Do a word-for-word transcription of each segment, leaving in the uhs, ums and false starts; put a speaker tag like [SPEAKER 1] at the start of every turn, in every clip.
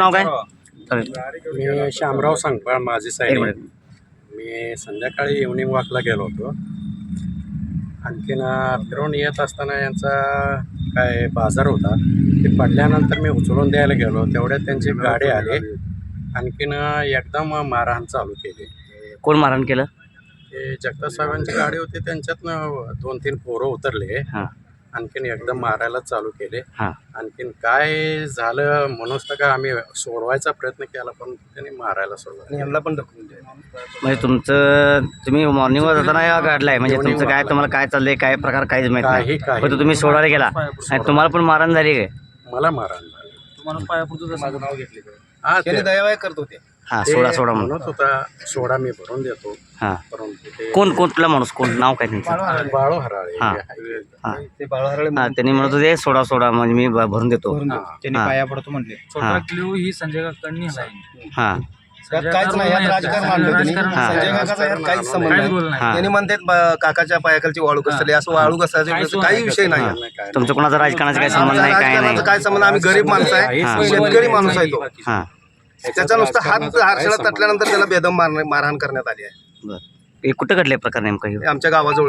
[SPEAKER 1] नाव काय?
[SPEAKER 2] मी शामराव सांगपाळ माझी
[SPEAKER 1] एक
[SPEAKER 2] साहेब.
[SPEAKER 1] मिनिट.
[SPEAKER 2] मी संध्याकाळी इव्हनिंग वॉकला गेलो होतो. आणखीन फिरून येत असताना यांचा काय बाजार होता, ते पडल्यानंतर मी उचलून द्यायला गेलो. तेवढ्यात त्यांची गाडी आली. आणखीन एकदम मारहाण चालू केली.
[SPEAKER 1] कोण मारहाण केलं?
[SPEAKER 2] ते जगताप साहेबांची गाडी होती, त्यांच्यातनं दोन तीन पोरं उतरले.
[SPEAKER 1] हां
[SPEAKER 2] आणखीन एकदम मारायला चालू केले.
[SPEAKER 1] हां
[SPEAKER 2] आणखीन काय झालं म्हणूनच तर का आम्ही सोडवायचा प्रयत्न केला, पण त्यांनी मारायला सोडलं. यांना पण ढकलून द्या.
[SPEAKER 1] म्हणजे तुमचं तुम्ही मॉर्निंगवर जाताना या गाडलाय म्हणजे तुमचं काय तुम्हाला काय चाललंय काय प्रकार काहीच माहित
[SPEAKER 2] काही
[SPEAKER 1] नाही.
[SPEAKER 2] काही
[SPEAKER 1] फक्त तुम्ही सोडायला गेला आणि तुम्हाला पण मारहाण झाली काय?
[SPEAKER 2] मला मारहाण झाली.
[SPEAKER 3] तुम्हाला पायापुरतं माझं नाव घेतले
[SPEAKER 2] हा ते
[SPEAKER 3] दयावाय करत होते.
[SPEAKER 1] हां
[SPEAKER 2] ते
[SPEAKER 1] सोडा सोडा म्हणून.
[SPEAKER 2] म्हणत होता सोडा मी भरून देतो,
[SPEAKER 1] हां
[SPEAKER 2] परंतु ते
[SPEAKER 1] कोण कोण कुठला माणूस कोण नाव काय त्यांचं?
[SPEAKER 2] बाळू हराळे.
[SPEAKER 1] हां.
[SPEAKER 2] हायवे.
[SPEAKER 1] हां
[SPEAKER 3] ते बाळहरळे
[SPEAKER 1] हां त्यांनी म्हणत होते सोडा सोडा म्हणजे मी भ- भरून देतो.
[SPEAKER 3] त्यांनी
[SPEAKER 1] हां.
[SPEAKER 3] पाया पडतो म्हणले. छोटा क्ल्यू ही संजय काकांनी हलाय.
[SPEAKER 1] हां
[SPEAKER 3] यात काहीच नाही, यात राजकारण आणलं त्यांनी.
[SPEAKER 1] हां.
[SPEAKER 3] संजय काकाचा यात काहीच संबंध
[SPEAKER 2] काहीच
[SPEAKER 3] नाही.
[SPEAKER 2] बोल
[SPEAKER 1] हां
[SPEAKER 3] त्यांनी म्हणतात ब- काकाच्या पायाखालची वाळू घसरली, असं वाळू घसरायचा काही विषय नाही.
[SPEAKER 1] हां. तुमचं कोणाचा राजकारणाचा काही संबंध नाही काय नाही.
[SPEAKER 3] राजकारणाचा काय संबंध? आम्ही गरीब माणसं आहे,
[SPEAKER 1] हां.
[SPEAKER 3] शेतकरी माणूस आहे तो.
[SPEAKER 1] हां
[SPEAKER 3] त्याचा नुसता हात हारशाला तटल्यानंतर त्याला बेदम मार- मारहाण करण्यात आली आहे.
[SPEAKER 1] बरं हे कुठं घडले प्रकार नेमका हे?
[SPEAKER 3] हे आमच्या गावाजवळ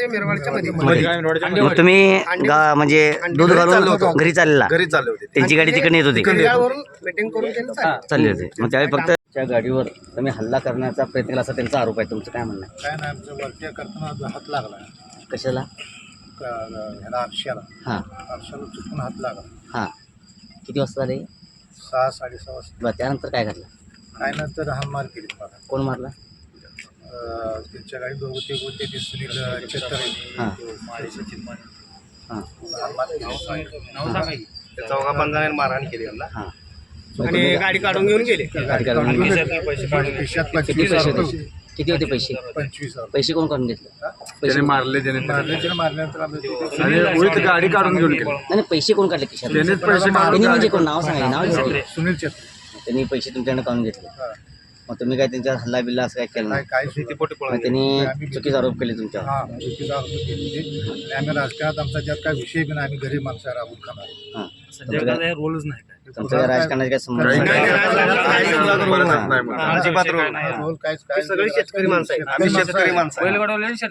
[SPEAKER 1] मग तुम्ही गा म्हणजे दूध घालून घरी चाललेला
[SPEAKER 3] घरी चालले होते.
[SPEAKER 1] त्यांची गाडी तिकडे येत होती
[SPEAKER 3] मीटिंग करून त्यांनी चालले.
[SPEAKER 1] चालली होती मग त्यावेळी फक्त त्या गाडीवर तुम्ही हल्ला करण्याचा प्रयत्न केला असा त्यांचा आरोप आहे. तुमचं काय म्हणणं आहे?
[SPEAKER 2] काय नाही, आमचं वरती करताना हात लागला
[SPEAKER 1] कशाला?
[SPEAKER 2] क- ह्याला आरशाला
[SPEAKER 1] हां
[SPEAKER 2] आरशाला चुकून हात लागला.
[SPEAKER 1] हां किती वाजता झाले?
[SPEAKER 2] सहा साडेसहा वाजता.
[SPEAKER 1] बरं त्यानंतर काय घडलं?
[SPEAKER 2] काय नंतर हाल मार केली मला.
[SPEAKER 1] कोण मारला?
[SPEAKER 2] अं, त्यांच्या गाडी दोघं ते होते, ते सुनील चेतर
[SPEAKER 1] हां हां
[SPEAKER 2] हाल मार केली.
[SPEAKER 3] त्या चौघा पंधरा मारहाण केली यांना.
[SPEAKER 1] हां
[SPEAKER 3] आणि गाडी काढून घेऊन गेले.
[SPEAKER 1] गाडी काढून
[SPEAKER 2] खिशात
[SPEAKER 1] किती
[SPEAKER 2] पंचवीस
[SPEAKER 1] पैसे
[SPEAKER 2] हजार
[SPEAKER 1] द्यायचे? किती होते पैसे?
[SPEAKER 2] पंचवीस हजार
[SPEAKER 1] पैसे कोण काढून घेतले? पैसे
[SPEAKER 2] मारले त्याने मारले मारल्यानंतर आम्ही गाडी काढून घेऊन गेलो.
[SPEAKER 1] नाही नाही, पैसे कोण काढले खिशात?
[SPEAKER 2] त्यांनीच पैसे
[SPEAKER 1] त्यांनी म्हणजे कोण नाव सांगा नाव घेतले.
[SPEAKER 2] सुनील चेतर.
[SPEAKER 1] त्यांनी पैसे तुमच्याकडे काढून घेतले. मग तुम्ही काय त्यांच्यावर हल्ला बिल्ला असं काय केलं नाही?
[SPEAKER 2] काय शेती पोटी
[SPEAKER 1] मग त्यांनी चुकीचा आरोप केले तुमच्यावर.
[SPEAKER 2] हा चुकीचा आरोप केली. आणि आम्ही राजकारणात आमचा त्यात काय विषय बी नाही, आम्ही गरीब माणसं आहे, राबून खाणार.
[SPEAKER 1] हां
[SPEAKER 3] संजय काका रोलच नाही काय.
[SPEAKER 1] तुमचं काय राजकारणाचा काय संबंध नाही?
[SPEAKER 3] अजिबात रोल नाही.
[SPEAKER 2] रोल काहीच काय
[SPEAKER 3] सगळे शेतकरी माणसं आहे. आम्ही शेतकरी माणसं आहे.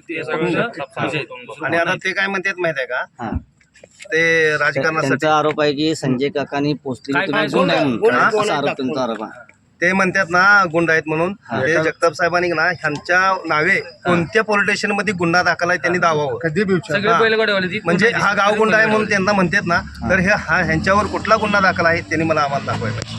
[SPEAKER 3] आणि आता ते काय म्हणतात माहित आहे का?
[SPEAKER 1] हां
[SPEAKER 3] ते राजकारणासाठी
[SPEAKER 1] त्यांचा आरोप आहे की संजय काकांनी पोचलेली तुम्ही गुंड आहे म्हणून.
[SPEAKER 3] हा?
[SPEAKER 1] असा आरोप त्यांचा आरोप आहे.
[SPEAKER 3] ते म्हणतात ना गुंड आहेत म्हणून. ते जगताप साहेबांनी ना ह्यांच्या नावे कोणत्या पोलीस स्टेशन मध्ये गुन्हा दाखल आहे त्यांनी दावावं.
[SPEAKER 2] कधी बी विचार.
[SPEAKER 3] हा. म्हणजे हा गाव गुंड आहे म्हणून त्यांना म्हणतात ना, तर हे हा ह्यांच्यावर कुठला गुन्हा दाखल आहे त्यांनी मला आम्हाला दाखवायला.